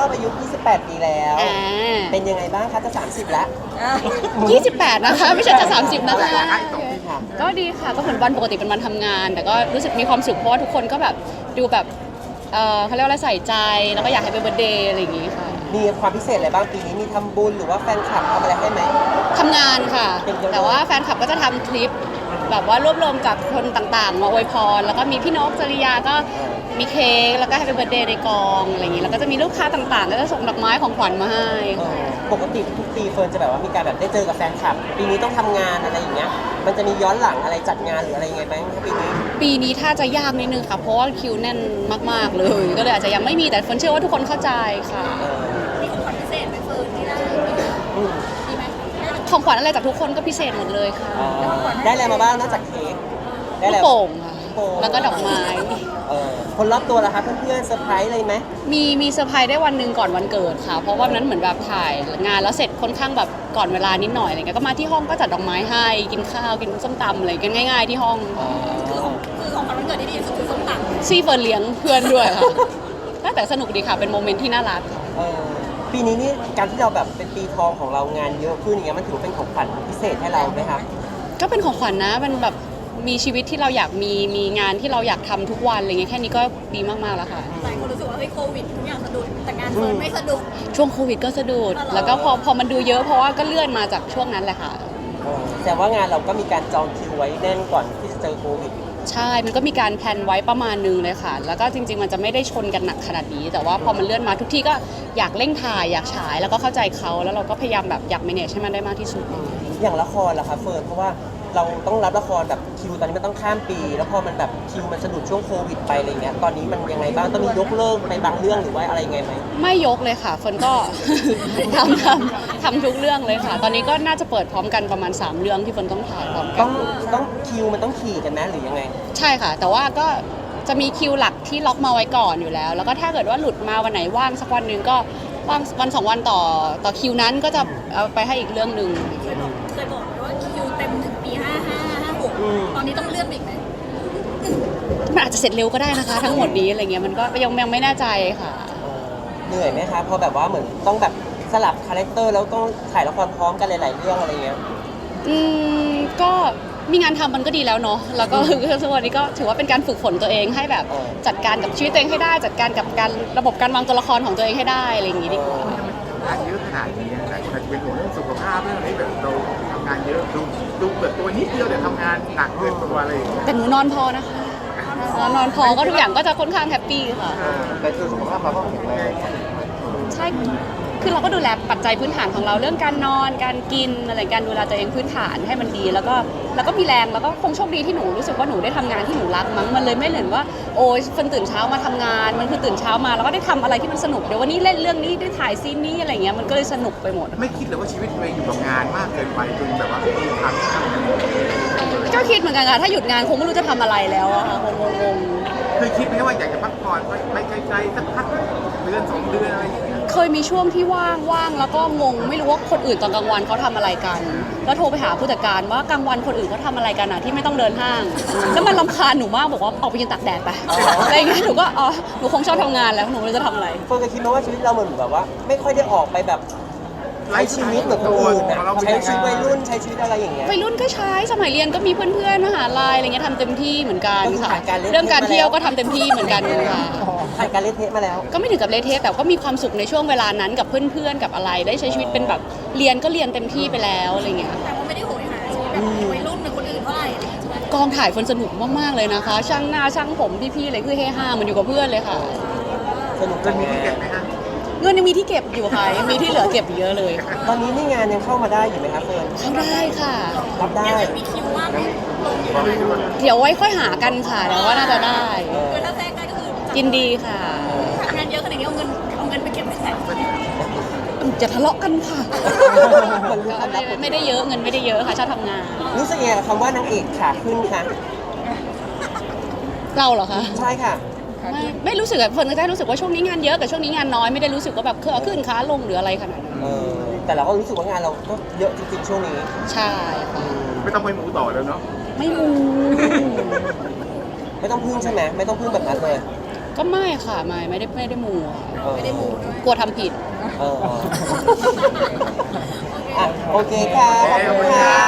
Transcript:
อายุ 28 ปีแล้ว เป็นยังไงบ้างคะจะ30แล้ว 28 นะคะไม่ใช่จะ30 นะคะค่ะก็ดีค่ะก็เหมือนวันปกติเป็นวันทำงาน แต่ก็รู้สึกมีความสุขเพราะว่าทุกคนก็แบบดูแบบเขาเรียกว่าอะไรใส่ใจแล้วก็อยากให้เป็นเบิร์ธเดย์อะไรอย่างงี้ค่ะมีความพิเศษอะไรบ้างปีนี้มีทำบุญหรือว่าแฟนคลับทำอะไรให้ไหมทำงานค่ะ แต่ว่าแฟนคลับก็จะทำคลิปแบบว่ารวบรวมจากคนต่างๆมาอวยพรแล้วก็มีพี่นกจริยาก็มีเค้กแล้วก็ให้เป็นเบิร์ธเดย์ในกองอะไรอย่างงี้แล้วก็จะมีลูกค้าต่างๆก็จะส่งดอกไม้ของขวัญมาให้ปกติทุกปีเฟิร์นจะแบบว่ามีการแบบได้เจอกับแฟนคลับ ปีนี้ต้องทำงานอะไรอย่างเงี้ยมันจะมีย้อนหลังอะไรจัดงานหรืออะไรยังไงไหมคะปีนี้ปีนี้ถ้าจะยากนิดนึงค่ะเพราะว่าคิวแน่นมากๆเลยก็เลยอาจจะยังไม่มีแต่เฟิร์นเชื่อว่าทุกคนเข้าใจค่ะมีของขวัญพิเศษไหมเฟิร์นที่ได้มีไหมของขวัญอะไรจากทุกคนก็พิเศษหมดเลยค่ะได้อะไรมาบ้างนอกจากเค้กได้ลูอะไรกโป่งค่ะโป่งแล้วก็ดอกไม้คนรอบตัวล่ะคะเพื่อนๆเซอร์ไพรส์อะไรไหมมีเซอร์ไพรส์ได้วันหนึ่งก่อนวันเกิดค่ะ เพราะว่าวันนั้นเหมือนแบบถ่ายงานแล้วเสร็จค่อนข้างแบบก่อนเวลานิดหน่อยอะไรเงี้ยก็มาที่ห้องก็จัดดอกไม้ให้กินข้าวกินส้มตำอะไรกันง่าย ๆที่ห้องคือของขวัญวันเกิดที่ดีที่สุดคือส้มตำซีเฟิร์นเลี้ยงเพื่อนด้วยค่ะ แต่สนุกดีค่ะเป็นโมเมนต์ที่น่ารักปีนี้นี่การที่เราแบบเป็นปีทองของเรางานเยอะขึ้นอย่างเงี้ยมันถือว่าเป็นของขวัญพิเศษให้เราไหมคะก็เป็นของขวัญนะมันแบบมีชีวิตที่เราอยากมีงานที่เราอยากทำทุกวันอะไรเงี้ยแค่นี้ก็ดีมากๆแล้วค่ะหลายคนรู้สึกว่าเฮ้ยโควิดทุกอย่างสะดุดแต่งานเฟิร์นไม่สะดุดช่วงโควิดก็สะดุดแล้วก็พอมันดูเยอะเพราะว่าก็เลื่อนมาจากช่วงนั้นแหละค่ะแต่ว่างานเราก็มีการจองคิวไว้แน่นก่อนที่จะเจอโควิดใช่มันก็มีการแพลนไว้ประมาณนึงเลยค่ะ แล้วก็จริงๆมันจะไม่ได้ชนกันหนักขนาดนี้ แต่ว่าพอมันเลื่อนมาทุกที่ก็อยากเร่งถ่ายอยากฉายแล้วก็เข้าใจเขาแล้วเราก็พยายามแบบอยาก manage ให้มันได้มากที่สุดอย่างละครล่ะคะเฟิร์นเพราะว่าเราต้องรับละครแบบคิวตอนนี้มันต้องข้ามปี แล้วพอมันแบบคิวมันสะดุดช่วงโควิดไปอะไรเงี้ยตอนนี้มันยังไงบ้างต้องมียกเลิกไปบางเรื่องหรือว่าอะไรยังไงไหมไม่ยกเลยค่ะเฟิร์นก็ ทำทุกเรื่องเลยค่ะ ตอนนี้ก็น่าจะเปิดพร้อมกันประมาณ 3 เรื่องที่เฟิร์นต้องถ่ายพร้อมกัต้นองคิวมันต้องขี่กันนะหรือยังไงใช่ค่ะ แต่ว่าก็จะมีคิวหลักที่ล็อกมาไว้ก่อนอยู่แล้ว แล้วก็ถ้าเกิดว่าหลุดมาวันไหนว่างสักวันหนึ่งก็ว่างวัน2 วันต่อคิวนั้นก็จะเอาไปให้อีกเรื่องหนึ่งเคยบอกไหมว่าคิวเต็มถึงปี55 56ตอนนี้ต้องเลื่อนไปอีกไหมมันอาจจะเสร็จเร็วก็ได้นะคะ ทั้งหมดนี้อะไรเงี้ยมันก็ยังไม่แน่ใจค่ะเหนื่อยไหมคะพอแบบว่าเหมือนต้องแบบสลับคาแรคเตอร์แล้วต้องถ่ายละครพร้อมกันหลายๆเรื่องอะไรเงี้ยก็มีงานทำมันก็ดีแล้วเนาะแล้วก็ ทุกวันนี้ก็ถือว่าเป็นการฝึกฝนตัวเองให้แบบจัดการกับชีวิตตัวเองให้ได้ จัดการกับการระบบการวางตัวละครของตัวเองให้ได้อะไรอย่างงี้ดีกว่างานเยอะขนาดนี้หลายคนอาจจะเป็นห่วงเรื่องสุขภาพเรื่องอะไรแบบเราทำงานเยอะดูแบบตัวนิดเดียวแต่ทำงานหนักเกินตัวอะไรอย่างเงี้ยแต่หนูนอนพอนะคะนอนพอก็ทุกอย่างก็จะค่อนข้างแฮปปี้ค่ะแต่คือสุขภาพเราก็แข็งแรงใช่ คือเราก็ดูแลปัจจัยพื้นฐานของเราเรื่องการนอน การกินอะไรการดูแลตัวเองพื้นฐานให้มันดี แล้วก็มีแรงแล้วก็คงโชคดีที่หนูรู้สึกว่าหนูได้ทำงานที่หนูรักมั้งมันเลยไม่เหมือนว่าโอ้ยคนตื่นเช้ามาทำงานมันคือตื่นเช้ามาแล้วก็ได้ทำอะไรที่มันสนุกเดี๋ยววันนี้เล่นเรื่องนี้ได้ถ่ายซีนนี้อะไรเงี้ยมันก็เลยสนุกไปหมดไม่คิดเลยว่าชีวิตตัวเองอยู่กับงานมากเกินไปจนแบบว่าไม่มีทางที่จะก็คิดเหมือนกันค่ะถ้าหยุดงานคงไม่รู้จะทำอะไรแล้วอะค่ะคงงงเคยคิดไหมว่าอยากจะพักผ่อนไปไกลๆสักพักเดือน2 เดือนอะไรอย่างเงี้ยๆเคยมีช่วงที่ว่างแล้วก็งงไม่รู้ว่าคนอื่นตอนกลางวันเขาทำอะไรกัน แล้วโทรไปหาผู้จัดการว่ากลางวันคนอื่นเขาทำอะไรกันอะที่ไม่ต้องเดินห้าง แล้วมันรำคาญหนูมากบอกว่าออกไปยืนตากแดดไปอะไรอย่างเงี้ยหนูก็อ๋อหนูคงชอบทำงานแล้วหนูไม่รู้จะทำอะไรเฟิร์นเคยคิดไหมว่าชีวิตเราเหมือนแบบว่า ไม่ค่อยได้ออกไปแบบใช้ชีวิตเหมือนคนอื่นอะใช้ชีวิตวัยรุ่นใช้ชีวิตอะไรอย่างเงี้ยวัยรุ่นก็ใช้สมัยเรียนก็มีเพื่อนๆมหาลัยอะไรเงี้ยทำเต็มที่เหมือนกันก็คือค่ะผ่านการเล่นเรื่องการเที่ยวก็ทำเต็มที่เหมือนกันค่ะผ่านการเล่นเทปมาแล้วก็ไม่ถึงกับเละเทะแต่ก็มีความสุขในช่วงเวลานั้นกับเพื่อนๆกับอะไรได้ใช้ชีวิตเป็นแบบเรียนก็เรียนเต็มที่ไปแล้วอะไรเงี้ยแต่ว่าไม่ได้โหยหาชีวิตแบบวัยรุ่นเหมือนคนอื่นเท่าไหร่อะไรอย่างเงี้ยใช่ไหมกองถ่ายคนสนุกมากๆเลยนะคะ ช่างหน้าช่างผมพี่ๆเลยคือเฮฮาเหมันอยู่กับเพื่อนเลยค่ะสนุกจะจังมีเลที่ยเก็บไหมฮะเงินยังมีที่เก็บอยู่ค่ะยังมีที่เหลือเก็บอีกเยอะเลยตอนนี้นี่งานยังเข้ามาได้อยู่ไหมครับเฟิร์นเข้าได้ค่ะรับได้ยังมีคิวว่างไหมลงอยู่ไหมเดี๋ยวไว้ค่อยหากันค่ะเดี๋ยวว่าน่าจะได้คือถ้าแทรกได้ก็คือยินดีค่ะงานเยอะขนาดนี้เอาเงินไปเก็บไว้ไหนจะทะเลาะกันค่ะมันรู้ความลับหมดไม่ได้เยอะเงินไม่ได้เยอะค่ะชอบทำงานรู้สึกยังไงกับคำว่านางเอกขาขึ้นคะเราเหรอคะใช่ค่ะไม่รู้สึกอะเฟิร์นก็ได้รู้สึกว่าช่วงนี้งานเยอะกับช่วงนี้งานน้อยไม่ได้รู้สึกว่าแบบเครือขึ้นค้าลงหรืออะไรขนาดนั้นแต่เราก็รู้สึกว่างานเราก็เยอะจริงๆช่วงนี้ใช่ค่ะไม่ต้องไปหมูต่อแล้วเนาะไม่มูไม่ต้องพึ่งใช่ไหมไม่ต้องพึ่งแบบนั้นเลยก็ไม่ค่ะไม่ได้มูค่ะไม่ได้มูด้วยกลัวทำผิดอ่ะโอเคค่ะขอบคุณค่ะ